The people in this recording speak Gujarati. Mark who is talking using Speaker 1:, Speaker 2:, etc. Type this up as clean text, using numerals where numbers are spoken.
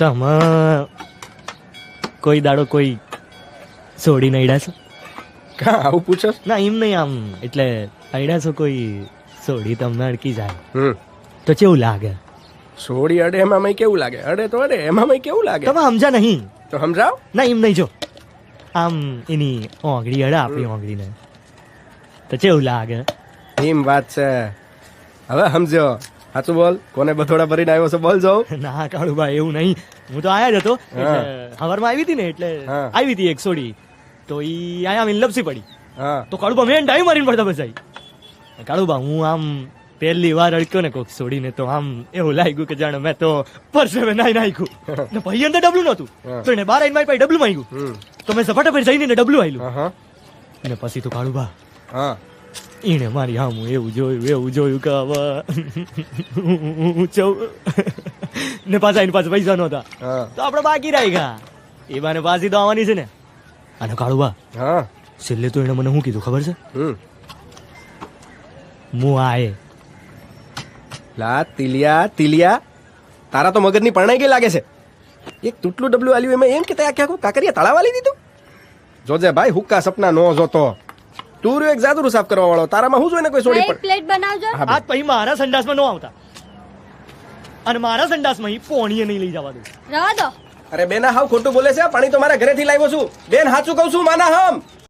Speaker 1: તમે કોઈ દાડો કોઈ છોડીને અડ્યા છો?
Speaker 2: કા આવું પૂછો?
Speaker 1: ના એમ નહીં, આમ એટલે અડ્યા છો કોઈ છોડી તમને અડકી જાય તો કેવું લાગે?
Speaker 2: સોડી અડે એમાં મય કેવું લાગે? અડે તો અડે, એમાં મય કેવું લાગે?
Speaker 1: તમે સમજા નહીં.
Speaker 2: તો સમજાવ.
Speaker 1: ના એમ નહીં, જો આમ એની ઓંગળી અડે આપણી ઓંગળીને તો કેવું લાગે?
Speaker 2: એમ વાત છે. હવે સમજો. સાચું બોલ, કોને બથોડા ભરીને આવ્યો છો બોલ જાઉં.
Speaker 1: ના કાળુભાઈ એવું નહીં, હું તો આયા જ હતો હવારમાં આવી હતી ને એટલે
Speaker 2: હા.
Speaker 1: આવી હતી એક છોડી તો ઈ આયા આમ લપસી પડી
Speaker 2: હા
Speaker 1: તો કાળુબા મેં ડાઈ મારીને પડતા બસાઈ. કાળુબા હું આમ પહેલી વાર અડક્યો ને કોક છોડીને તો આમ એવું લાગ્યું કે જાણે મેં તો પરસેવે નાઈ નાખ્યું ને ભાઈ અંદર ડબલું નહોતું
Speaker 2: હા.
Speaker 1: તો એને બાર આઈને મારી પાસે ડબલું માંગ્યું તો મેં સપાટા પર જઈને એને ડબલું આલ્યું
Speaker 2: હા
Speaker 1: ને પછી તો કાળુબા
Speaker 2: હા
Speaker 1: એને મારી હા હું એવું જોયું કે હવે હું ચૌ ને પાછા એની પાસે પૈસા નહોતા
Speaker 2: હા
Speaker 1: તો આપણે બાકી રહી ગયા. એ બાને પાછી તો આવવાની છે ને. અને કાળુબા
Speaker 2: હા
Speaker 1: છેલ્લે તો એને મને શું કીધું ખબર છે? હું આયે
Speaker 2: લા તિલિયા તારા તો મગજની પરણાઈ ગઈ લાગે છે. એક તૂટલું ડબલું આલ્યું એમાં એમ કે તે આખે આખું કાકરિયા તળાવ આલી દીધું. જોજે ભાઈ, હુક્કા સપના નો જોતો. તું રહ્યો એક જાદુરું સાફ કરવા વાળો, તારામાં હું જોઈને કોઈ સોડી
Speaker 3: એક
Speaker 2: પડ.
Speaker 3: પ્લેટ બનાવજો.
Speaker 2: હા,
Speaker 1: આજ પછી મારા સંડાસમાં ન આવતા અને મારા સંડાસમાં ઈ પોણીએ નહીં લઈ જવા દઉં.
Speaker 3: રવા દો.
Speaker 2: અરે બેના હાવ ખોટું બોલે છે. પાણી તો મારા ઘરેથી લાવ્યો છું બેન, સાચું કહું છું માના હમ.